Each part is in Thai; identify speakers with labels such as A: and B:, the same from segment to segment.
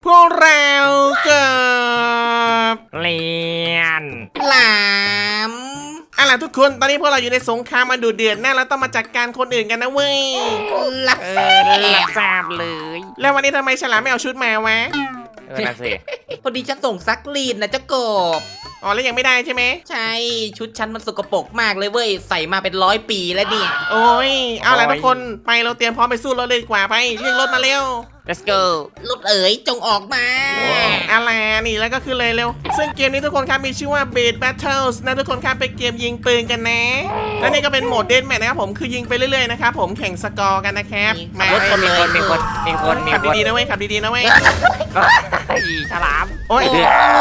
A: วกเราเกิบ
B: เลียน
C: หลาม
A: เอาล่ะทุกคนตอนนี้พวกเราอยู่ในสงครามมาดูเดือดแน่แล้วต้องมาจัดการคนอื่นกันนะเว้ย
C: ลับ
B: เอ
C: แส
B: รับทราบเลย
A: แล้ววันนี้ทำไมฉลามไม่เอาชุดมาวะ
B: นั่นสิ
C: พอดีฉันส่งซักรีดนะเจ้ากบ
A: อ๋อแล้วยังไม่ได้ใช่ไหม
C: ใช่ชุดฉันมันสกปรกมากเลยเว้ยใส่มาเป็น100 ปีแล้วเนี่ย
A: โอ้ยเอาล่ะทุกคนไปเราเตรียมพร้อมไปสู้รถเลยดีกว่าไปเรียกรถมาเร็ว
B: let's go
C: รถเอ๋ยจงออกมา
A: เอาล่ะนี่แล้วก็คือเลยเร็วซึ่งเกมนี้ทุกคนครับมีชื่อว่า Beat Battles นะทุกคนครับเป็นเกมยิงปืนกันนะและนี่ก็เป็นโหมดเดนแมทนะครับผมคือยิงไปเรื่อยๆนะครับผมแข่งสกอร์กันนะครับมา
C: ขับรถคนเลย
A: ขับดีๆนะเว้ยขับดีๆนะเว้ย
B: อีฉลาม
A: โอ้ย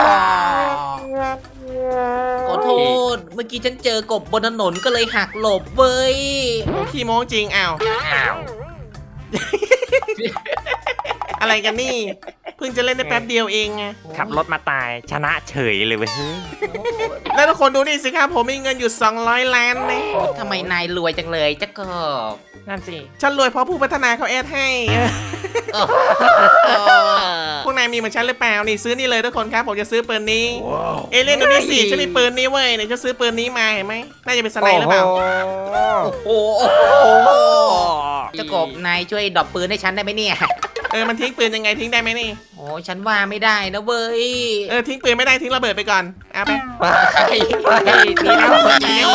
C: ขอโทษเมื่อกี้ฉันเจอกบบนถนนก็เลยหักหลบเว้ย
A: ขี้โม้จริงอ้าว
B: อ้าว
A: อะไรกันนี่เพิ่งจะเล่นได้แป๊บเดียวเองไง
B: ขับรถมาตายชนะเฉยเลยเว้ย
A: แล้วทุกคนดูนี่สิครับผมมีเงินอยู่200 ล้านนะ
C: ทำไมนายรวยจังเลยเจ้ากบ
B: นั่นสิ
A: ฉันรวยเพราะผู้พัฒนาเขาแอดให้ พวกนายมีเหมือนฉันหรือเปล่านี่ซื้อนี่เลยทุกคนครับผมจะซื้อปืนนี้ เอเลี่ยนดูนี่สิฉันมีปืนนี้เว้ยเนี่ยฉันซื้อปืนนี้มาเห็นไหมน่าจะเป็นสไนหรือเปล่า
C: โอ้โหเจ้ากบนายช่วยดรอปปืนให้ฉันได้ไหมเนี่ย
A: มันทิ้งปืนยังไงทิ้งได้ไหมนี่
C: โอ้ฉันว่าไม่ได้นะเว้ย
A: ทิ้งปืนไม่ได้ทิ้งระเบิดไปก่อนเอาไป
B: ดีแล้วดีแล้ว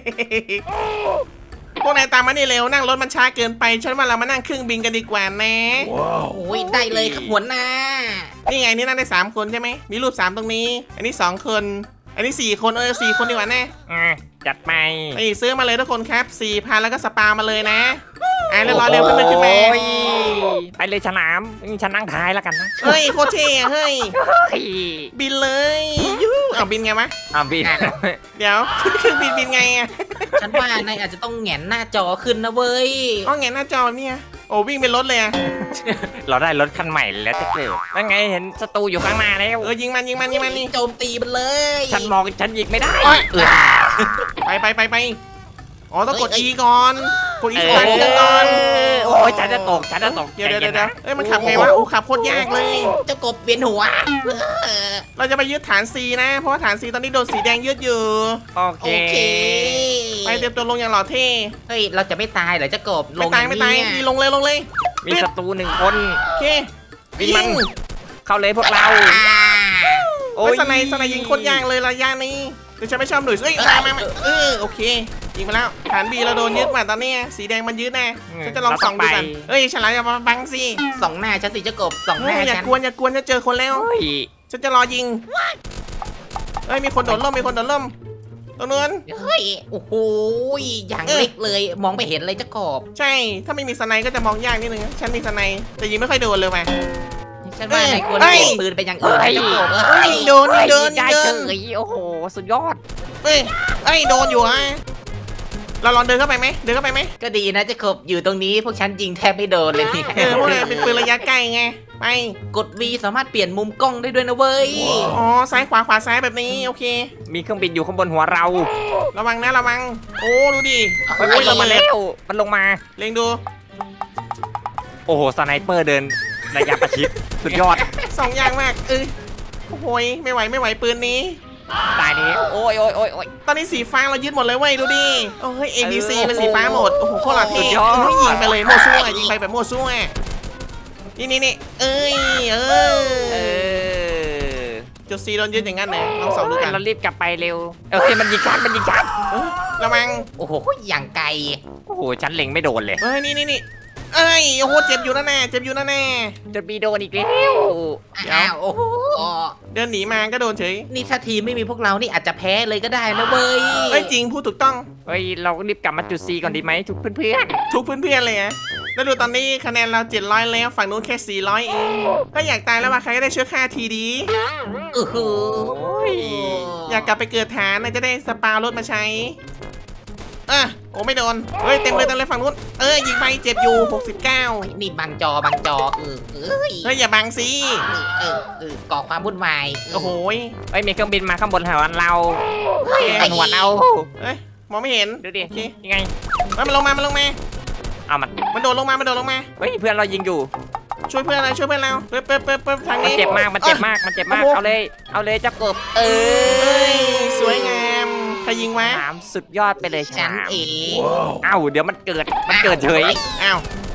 A: พวกนายตามมานี่เร็วนั่งรถมันช้าเกินไปฉันว่าเรามานั่งเครื่องบินกันดีกว่านะ
C: โอ้ยได้เลยครับหัวหน้า
A: นี่ไงนี่นั่งได้3 คนใช่ไหมมีรูป3ตรงนี้ อันนี้2 คน อันนี้4 คน4 คนดีกว่าแน่
B: จัดไป
A: นี่ซื้อมาเลยทุกคนครับ 4,000 แล้วก็สปามาเลยนะเรียบร้อยเร็วขึ้นมาขึ้นมา
B: โอ้ยไปเลยฉลามฉันนั่งท้ายแล้วกันนะ
A: เฮ้ยโคตรเท่อะเฮ้ย
B: เฮ้ย
A: บินเลยยูเอาบินไงวะ
B: อ่ะบิน
A: เดี๋ยว เครื่องบินไงอะ
C: ฉันว่านายอาจจะต้องแหงนหน้าจอขึ้นนะเว้ย
A: อ๋อไงหน้าจอเนี่ยโอ้วิ่งเป็นรถเลยอะ
B: เราได้รถคันใหม่แล้วจะเกิดนั่นไงเห็นศัตรูอยู่ข้างหน้าแล้ว
A: ยิงมันนี่
C: โจมตีมันเลย
B: ฉันมองฉันยิงไม่ได้
A: ไปอ๋อต้องกด E ก่อนกด E สตาร์ทเครื่องก่อน
B: โอ้ยฉันจะตก
A: เดี๋ยวมันขับไงวะโอ้ขับโคตรยากเลย
C: เจ้ากบเวียนหัว
A: เราจะไปยึดฐาน C นะเพราะว่าฐาน C ตอนนี้โดนสีแดงยึดอยู่
B: โอ
C: โอ
B: เค
C: เค
A: ไปเตรียมตัวลงอย่างหล่อเท่
C: เฮ้ยเราจะไม่ตายเหรอเจ้ากบล
A: ไม่
C: ง
A: ตายนี่ลงเลย
B: มีศัตรู1 คน
A: โอเค
B: วิ่งมัน เข้าเลยพวกเรา
A: โอ้ยสไนยิงโคตรยากเลยระยะนี้แต่ฉันไม่ชอบหน่วยมาโอเคยิงไปแล้วฐาน B เราโดนยึดมาตอนนี้สีแดงมันยึดแน่ฉันจะลองส่องดูกันฉลามอย่ามาบังสิ
C: สองหน้าฉันสิเจ้ากบสองหน้า
A: อย่า
C: ฉัน
A: กวนจะเจอคนแล้ว
B: เฮ้ย
A: ฉันจะรอยิงมีคนโดดร่มตรงนู้น
C: เฮ้ยโอ้โหอย่างเล็กเลยมองไม่เห็นเลยเจ้ากบ
A: ใช่ถ้าไม่มีสไนก็จะมองยากนิดนึงฉันมีสไนแต่ยิงไม่ค่อยโดนเลยว่ะ
C: ฉันว่านายควรเปลี่ยนปืนไปอย่างอื่นนะเจ้ากบ
A: โดน
B: ได้เฉยโอ้โหสุดยอด
A: โดนอยู่อะเราลองเดินเข้าไปไหม
C: ก็ดีนะเจ้ากบอยู่ตรงนี้พวกฉันยิงแทบไม่โดนเลยเนี่ย
A: พวกนี้เป็นปืนระยะใกล้ไงไป
C: กด V สามารถเปลี่ยนมุมกล้องได้ด้วยนะเว้ย
A: อ๋อซ้ายขวาซ้ายแบบนี้โอเค
B: มีเครื่องบินอยู่ข้างบนหัวเรา
A: ระวังโอ้ดูดิ
B: โอ้ยลงมาแล้วมันลงมา
A: เล็งดู
B: โอ้โหสไนเปอร์เดินระยะประชิดสุดยอด
A: 2 อย่างมากโอ้โหไม่ไหวปืนนี้
B: ตายนี้โอ้ย
A: ตอนนี้สีฟ้าเรายึดหมดเลยเว้ยดูดิโอ้ย ABC เป็นสีฟ้าหมดโอ้โหโคตรหล่อเท่ยิงไปเลยมั่วซั่วยิงไปแบบมั่วซั่วนี่จุด C โดนยึดอย่างนั้นเลยลองส่องดูกัน
B: เรารีบกลับไปเร็วโอเคมันยิงชัด
A: ระวัง
C: โอ้โหอย่างไกล
B: โอ้โหฉันเล็งไม่โดนเลย
A: นี่โอ้โหเจ็บอยู่นะแน่
B: จะมีโดนอีกแล้ว
C: อ้าวโอ้โห
A: เดินหนีมาก็โดนเฉย
C: นี่ถ้าทีมไม่มีพวกเรานี่อาจจะแพ้เลยก็ได้นะเว้ย
A: จริงพูดถูกต้อง
B: เฮ้ยเรารีบกลับมาจุด C ก่อนดีไหมทุกเพื่อน
A: ทุกเพื่อนเลยอะแล้วดูตอนนี้คะแนนเรา700แล้วฝั่งนู้นแค่400เองก็อยากตายแล้วว่าใครก็ได้ช่วยฆ่าทีดี
C: โอ้โห
A: อยากกลับไปเกิดฐานนะจะได้สปารถมาใช้โอ้ไม่โดนเต็มเลยฝั่งนู้นยิงไปเจ็บอยู่69
C: นี่บังจอ
A: อย่าบังสิ
C: ก่อความวุ่นวาย
A: โอ้โห
B: เฮ้ยมีเครื่องบินมาข้างบนหัวเราหัวเรา
A: มองไม่เห็น
B: ดูดิยังไง
A: มันลงมา
B: เอามัน
A: โดดลงมา
B: เฮ้ยเพื่อนเรายิงอยู่
A: ช่วยเพื่อนเราช่วยเพื่อนเราเปิ๊บทาง
B: มัน
A: นี้
B: เจ็บมากมันเจ็บมากมันเจ็บมาก
A: โอ้โห
B: เอาเลยเจ้ากบ
A: เอ้ยสวยงามใครยิงวะ
B: ฉลามสุดยอดไปเลยฉ
C: ฉัน
B: ลาม
C: เอง
B: เอ้าเดี๋ยวมันเกิดเฉย
A: อ้าว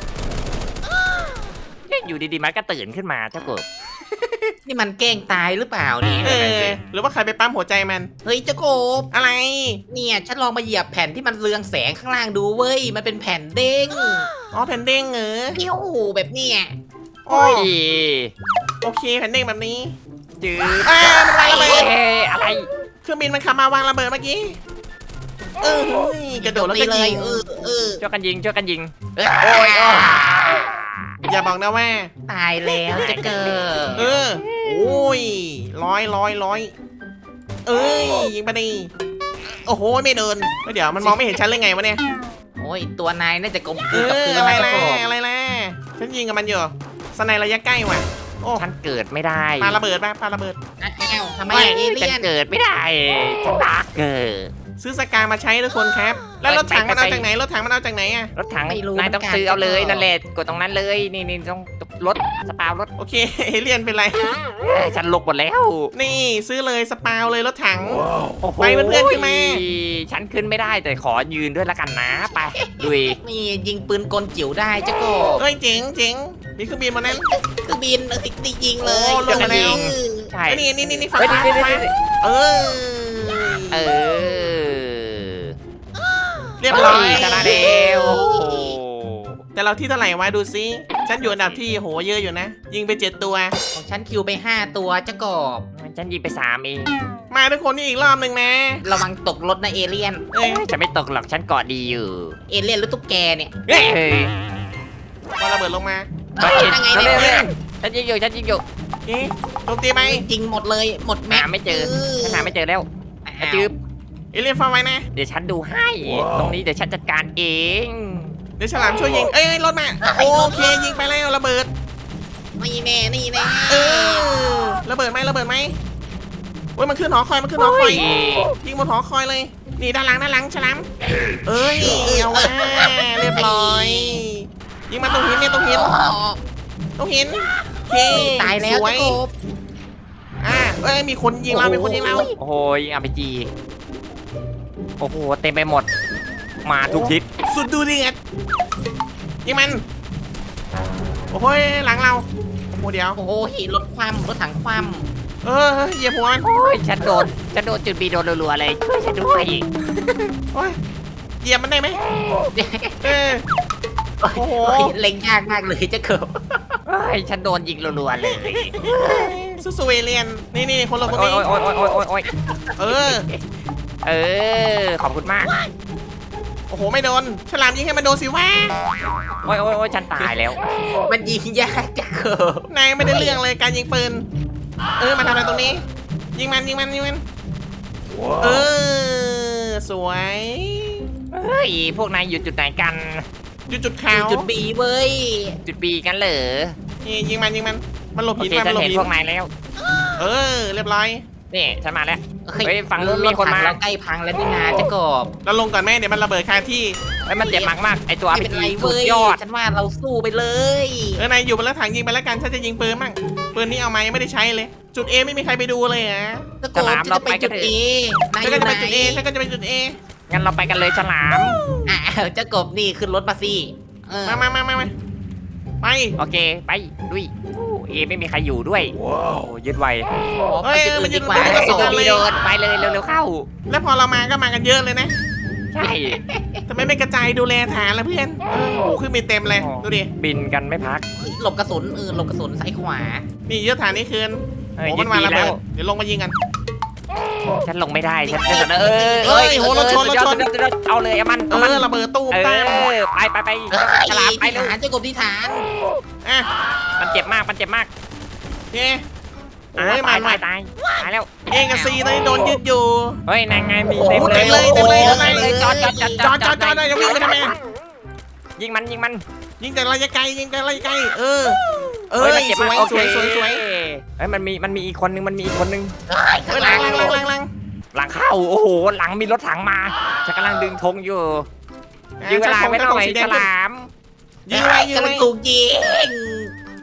B: อยู่ดีๆมันก็ตื่นขึ้นมาเจ้ากบ
C: นี่มันแกล้งตายหรือเปล่าเนี่ย
A: หรือว่าใครไปปั๊มหัวใจมัน
C: เฮ้ยเจ้ากบ
A: อะไร
C: เนี่ยฉันลองมาเหยียบแผ่นที่มันเรืองแสงข้างล่างดูเว้ยมันเป็นแผ่นเด้ง
A: อ๋อแผ่นเด้งเหรอ
C: เปี้ยวแบบเนี้ย
A: โอ้
B: โอ้ย
A: โอเคแผ่นเด้งแบบนี้
B: จืด
A: มันวางระเบิด
B: อะไร
A: เครื่องบินมันขับมาวางระเบิดเมื่อกี้เฮ้ยกระโดดแล้วก็
C: เล
A: ยิ
C: ย
A: ง
B: ช่วยกันยิง
C: โอ้ย
A: อย่าบอกนะว่า
C: ตายแล้วจะเกิด
A: โอ้ยร้อยเอ้ยยิงไปดิโอ้โหไม่เดินเดี๋ยวมันมองไม่เห็นฉันเลยไงวะเนี่ย
C: โอ้ยตัวนายน่าจะกลมกลืนกับพื้น
A: อะไร
C: นะเจ้า
A: ล่ะ
C: กบ
A: อะไรล่ะฉันยิงกับมันอยู่สไนระยะใกล้ว่ะโอ้
B: ฉันเกิดไม่ได้
A: ปาระเบิดป่ะปาระเบิด
C: อ้าวทำไมอะเอเลี่
B: ฉั
C: ย
B: น
C: น
B: เกิดไม่ได้ฉันรักเกิด
A: ซื้อสกามาใช้ทุกคนครับ แล้วรถถังมันเอาจากไหนรถถังมันเอาจากไหนอะ
B: รถถังนายต้องซื้อเอาเลยนั่นแหละกดตรงนั้นเลยนี่ต้องรถสปาวรถ
A: โอเคเอเลี่ยนเป็นไร
B: ฉันลกหมดแล้ว
A: นี่ซื้อเลยสปาวเลยรถถัง
B: โอ้โห
A: ไปเพื่อนๆขึ้นมา
B: ฉันขึ้นไม่ได้แต่ขอยืนด้วยละกันนะไปดุย
C: นี่ยิงปืนกลจิ๋วได้เจ้ากบ
A: เอ้ยเจ๋งมีเครื่องบินมานั้น
C: คือบินติดยิงเลย
A: โอ้ลงมาแล้ว
B: ใช่
A: ไอ้นี่ฝั่ง
B: เฮ้ย
A: ขวา
B: นี่
A: ขวาเออ
B: เออ
A: เรียบร้อย
B: ชนะแล้วโอ้โห
A: แต่เราที่เท่าไหร่วะดูซิฉันอยู่อันดับที่โหเยอะอยู่นะ ยิงไป7 ตัว
C: ของฉันคิวไป5 ตัวเจ้ากบ
B: ฉันยิงไป3เอง
A: มาทุกคนนี่อีกรอบหนึ่งนะ
C: ระวังตกรถนะเอเลี่ยน
A: เอ้ย
B: ฉันไม่ตกหรอกฉันเกาะดีอยู่
C: เอเลี่ยนหรือตุ๊กแกเนี่ย
A: เฮ้ย
B: เฮ้ย
A: พอระเบิดลงมา
C: เฮ้ยยังไงเนี่ย
B: ฉันยิงอยู่
A: เอ๊ะโจมตีไหม
C: จริงหมดเลยหมดแม็
B: หาก ไม่เจอฉันหาไม่เจอแล้ว
C: อ้าว
B: จืบ
A: เอเลี่ยนฟังไว้นะ
B: เดี๋ยวฉันดูให้ ตรงนี้เดี๋ยวฉันจัดการเอง
A: เดี๋ยวฉลามช่วยยิงเอ้ยรถมาโอเคยิงไปแล้วระเบิด
C: นี่แน่นี่แน่
A: เออระเบิดไหมเว้ยมันขึ้นหอคอยยิงบนหอคอยเลยนี่ด้านหลังฉลามเอ้ยเอาว่าเรียบร้อยยิงมาตรงหินเนี่ยตรงหินโอเค
C: ตายแล้ว
A: สว
C: เจ้าย กบ
A: เอ้ยมีคนยิงเรามีคนยิงเรา
B: โอ้โหยิง RPG โอ้โหเต็มไปหมด มาทุกทิศ
A: สุดดูดิเอ็ดยิงมันโอ้โหหลังเราโอ้โหเดี๋ยว
C: โอ้โหรถคว่ำรถถังคว่
A: เหยียบหัวมัน
B: โอ้ยฉันโดนจุดบีโดนรัวๆเลยช่วยฉันด้วย
A: โอ้ยเหยียบมันได้ไหม
C: ำ
A: เออโอ้โห
C: เล็งยากมากเลยเจ้ากบ
B: เฮ้ยฉันโดนยิงรัวๆเลย
A: สู้ๆเอเลียนนี่คนเราคน
B: โอ้ย
A: นี้
B: โอ้ยโอ้ยโอ้ยโอ้ยโอ้ย
A: เออ
B: เออขอบคุณมาก
A: โอ้โหไม่โดนฉลามยิงให้มันโดนสิวะ
B: โอ้ยโอ้ยโอ้ยฉันตายแล้ว
C: มันยิงยากเจ้ากบ
A: นายไม่ได้เรื่องเลยการยิงปืนมาทำอะไรตรงนี้ ยิงมันเออสวย
B: เฮ้ยพวกนายอยู่จุดไหนกัน
A: อยู่จุดขาว
C: จุดบีเว้ย
B: จุดบีกันเหรอ
A: นี่ยิงมันมันหลบ
B: โอ
A: หิน
B: เค
A: มา
B: ฉั
A: มัน นหลบ
B: เห็น
A: หิน
B: พวกนายแล้ว
A: เรียบร้อย
B: นี่ฉันมาแล้ว เฮ้ยฝั่งนู้นมีคนมา
C: รถถังเราใกล้พังแล้วนี่นาเจ้ากบ
A: เราลงก่อนแม่เดี๋ยวมันระเบิดคาที่
B: เฮ้ยมันเจ็บมากๆไอตัว
C: ไม่เป็น
B: RPG
C: ไร
B: สุ
C: เว้
B: ด
C: ย
B: ยอด
C: ฉันว่าเราสู้ไปเลย
A: นายอยู่บนรถถังยิงไปแล้วกันฉันจะยิงปืนมั่งปืนนี้เอามายังไม่ได้ใช้เลย จุด A ไม่มีใครไปดูเลยอ่ะ
C: เจ้ากบจะไปจุดเอนาย
A: ฉัน
C: อ
A: ก็
C: ยู่
A: จะ
C: ไห
A: ไปจุด A ฉันก็จะไปจุด A
B: งั้นเราไปกันเลยฉลาม
C: อ้าวเจ้ากบนี่ขึ้นรถมาสิเออ
A: มาไป
B: โอเคไปดุยเอไม่มีใครอยู่ด้วยโอ้ยึดไว
C: ไปจุดอื่นดีกว่า
A: เฮ้ยมัน
B: โอ้
A: จะ
B: โห
A: เลย
B: โดนไปเลยเร็วๆเข้า
A: แล้วพอเรามาก็มากันเยอะเลยนะ
B: ใช่
A: ทำไมไม่กระจายดูแลฐานล่ะเพื่อนโอ้โหขึ้นมีเต็มเลยดูดิ
B: บินกันไม่พัก
C: หลบกระสุนหลบกระสุนซ้ายขวา
A: นี่เยอะฐานนี้คืน
B: เฮ้ย
A: โอ้
B: ยึ
A: มั
B: ด
A: นมา
B: บี
A: ระ
B: แล้
A: เบิ
B: ว
A: ดเดี๋ยวลงมายิงกัน
B: ฉันลงไม่ได้ฉันเอาเลยเอามัน
A: ระเบิดตู้มตาม
B: ไปฉลามไป
C: ที่
B: เร็ว
C: ฐานเจ้ากบที่ฐาน
A: อ่ะ
B: มันเจ็บมาก
A: โอเคโอ้ย
B: ตาย
A: มา
B: ตายแล้ว
A: เอกับซีตอนนี้โดนยึดอยู่
B: เฮ้ยนางไงมี
A: โอ้
B: เต็ม
A: โห
B: เลย
A: เต็มเลย
B: จอด
A: จอดอย่าวิ่งไปทำไม
B: ยิงมัน
A: ยิงแต่ระยะไกลเออ
B: มันเจ็บ
A: ส
B: มาก
A: วย
B: โอเค
A: สวย
B: เฮ้ยมันมีอีกคนนึง
A: หลัง
B: หลังเข้าโอ้โหหลังมีรถถังมาฉันกำลังดึงธงอยู่ยื้อเวลาไว้หน่อยฉลาม
A: ยื้อไว้
C: กำลังถูกยิง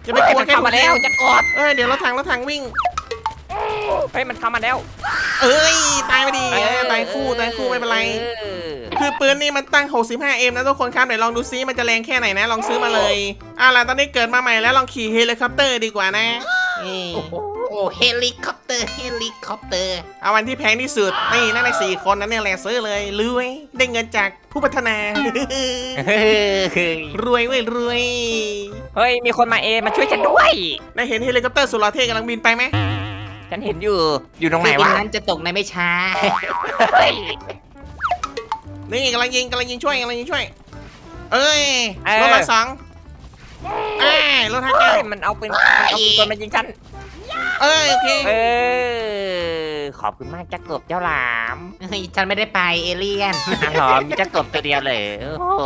A: จะไปกลัว
B: มัน
A: แค่
B: เข้ามาแล้วจะกด
A: เดี๋ยวรถถังวิ่ง
B: เฮ้ยมันเข้ามาแล้ว
A: เอ้ยตายไปดีตายคู่ไม่เป็นไร คือปืนนี่มันตั้ง 65M นะทุกคนครับเดี๋ยวลองดูซิมันจะแรงแค่ไหนนะลองซื้อมาเลยล่ะตอนนี้เกิดมาใหม่แล้วลองขี่เฮลิคอปเตอร์ดีกว่านะนี่
C: โอ้เฮลิคอปเตอร์
A: เอาวันที่แพงที่สุดนี่นั่นใน4คนนั้นเนี่ยแหละซื้อเลยรวยได้เงินจากผู้พัฒนา รวยเว้ยรวย
B: เฮ้ยมีคนมามาช่วยฉันด้วย
A: ได้เห็นเฮลิคอปเตอร์สุดหล่อเท่กำลังบินไปไหม
B: ฉันเห็นอยู่ตรงไหน
C: คือ
B: วะ
C: นั้นจะตกในไม่ช้า
B: เฮ้ย
A: นี่กำลังยิงช่วยเอ้ยรถละ2รถ5
B: เฮ้ย
A: 9
B: มันเอาปืนตัวมายิงฉัน
A: โอเค
B: ขอบคุณมากจักกบเจ้าหลาม
C: เฮ้ยฉันไม่ได้ไปเอเลี่ยน
B: หอมมีจักกบตัวเดียวเลยโอ้โห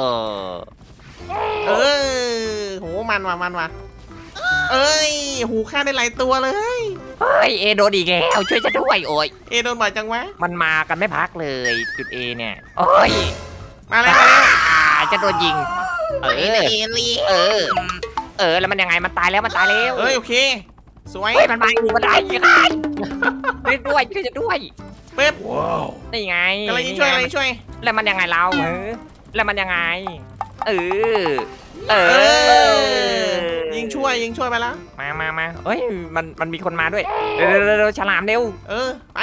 A: โหมันว่ะหูฆ่าได้หลายตัวเลย
B: เฮ้ยโดนอีกแล้วช่วยฉันด้วยโอ้ย
A: โดนบ่อยจังวะ
B: มันมากันไม่พักเลยจุด A เนี่ยโอ้ย
A: มาแล้ว
B: จะโดนยิง
C: เอเลี่ยน
B: แล้วมันยังไงมันตายแล้ว
A: โอเคสวย
B: เฮ้ยมันมาอยู่มันได้ยังไงช่วยด้วยช่วยฉันด้วย
A: ปึ๊บ
B: นี่ไง
A: กำลังช่วย
B: แล้วมันยังไงเราแล้วมันยังไง
A: ยิงช่วยไปแล้ว
B: มาเฮ้ยมันมีคนมาด้วยเร็วฉลามเร็ว
A: ไป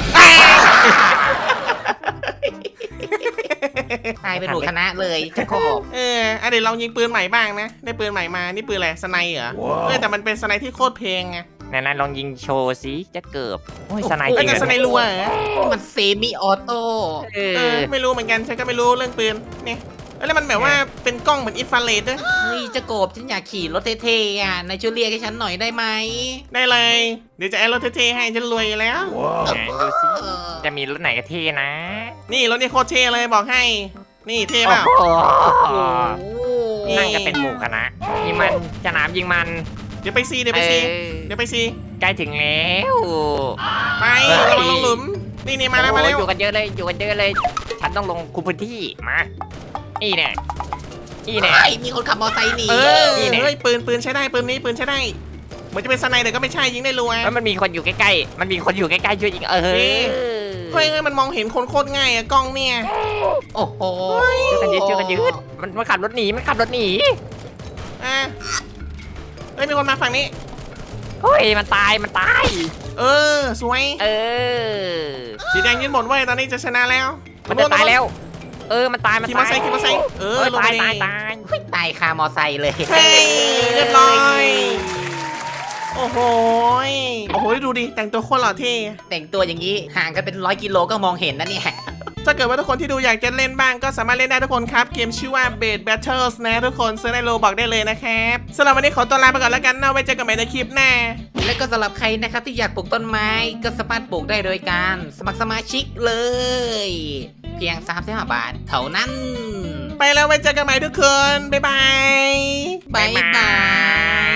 C: ตายเป็นหมู่คณะเลยจะโคบ
A: เดี๋ยวลองยิงปืนใหม่บ้างนะได้ปืนใหม่มานี่ปืนอะไรสไนเหรอแต่มันเป็นสไนที่โคตรเพลงไง
B: ไหนลองยิงโชว์สิจะเกิบโอ้ยสไนจริ
A: แต่
B: ง
A: สไนรัวเหรอ
C: มันเซมิออโต้
A: ไม่รู้เหมือนกันฉันก็ไม่รู้เรื่องปืนเนี่ยแล้วมันแบบว่าเป็นกล้องเหมือนอินฟราเรดด้วย
C: เฮ้ยจะโกบฉันอยากขี่รถเท่ๆนายช่วยเรียกให้ฉันหน่อยได้ไหม
A: ได้เลย เดี๋ยวจะแอดรถเท่ๆให้ฉันรวยอยู่แล้ว
B: ไหนดูสิจะมีรถไหนก็เท่นะ
A: นี่รถนี่โคตรเท่เลยบอกให้ นี่เท่เปล่า
B: โอ้โห
A: นี่
B: นั่งกันเป็นหมู่คณะยิงมันฉลามยิงมัน
A: เดี๋ยวไปซี
B: ใกล้ถึงแล้ว
A: ไประวังลงหลุมนี่มาแล้ว
B: อยู่กันเยอะเลยฉันต้องลงคุมพื้นที่มานี่แน่
C: มีคนขับมอเตอร์ไซค์หนี
A: เฮ้ยปืนใช้ได้ปืนใช้ได้เหมือนจะเป็นสไนเดอร์ก็ไม่ใช่ยิงได้รัว
B: แล้วมันมีคนอยู่ใกล้ๆช่วยยิง
A: เฮ้ยมันมองเห็นคนโคตรง่ายอะกล้องเนี่ย
C: โอ้โห
B: ช่วยกันยืดมันขับรถหนี
A: เฮ้ยมีคนมาฝั่งนี้
B: เฮ้ยมันตาย
A: สวยสีแดงยืนหมดเว้ยตอนนี้จะชนะแล้ว
B: มันจะตายแล้วมันตาย
A: ขี่มอไซค์
B: ตาย
C: ตายคามอไซค์เลย
A: เฮ้ยเรียบร้อยโอ้โหดูดิแต่งตัวโคตรหล่อเท่
C: แต่งตัวอย่างนี้ห่างกันเป็น100 กิโลก็มองเห็นนะเนี่ย
A: ถ้าเกิดว่าทุกคนที่ดูอยากจะเล่นบ้างก็สามารถเล่นได้ทุกคนครับเกมชื่อว่า Bed Battles นะทุกคนซื้อในโลบอกได้เลยนะครับสำหรับวันนี้ขอตัวลาไปก่อนแล้วกันนะไว้เจอกันใหม่ในคลิปหน้า
C: และก็สำหรับใครนะครับที่อยากปลูกต้นไม้ก็สามารถปลูกได้โดยการสมัครสมาชิกเลย เพียง35 บาทเท่านั้น
A: ไปแล้วไว้เจอกันใหม่ทุกคนบ๊ายบาย
C: บ๊ายบาย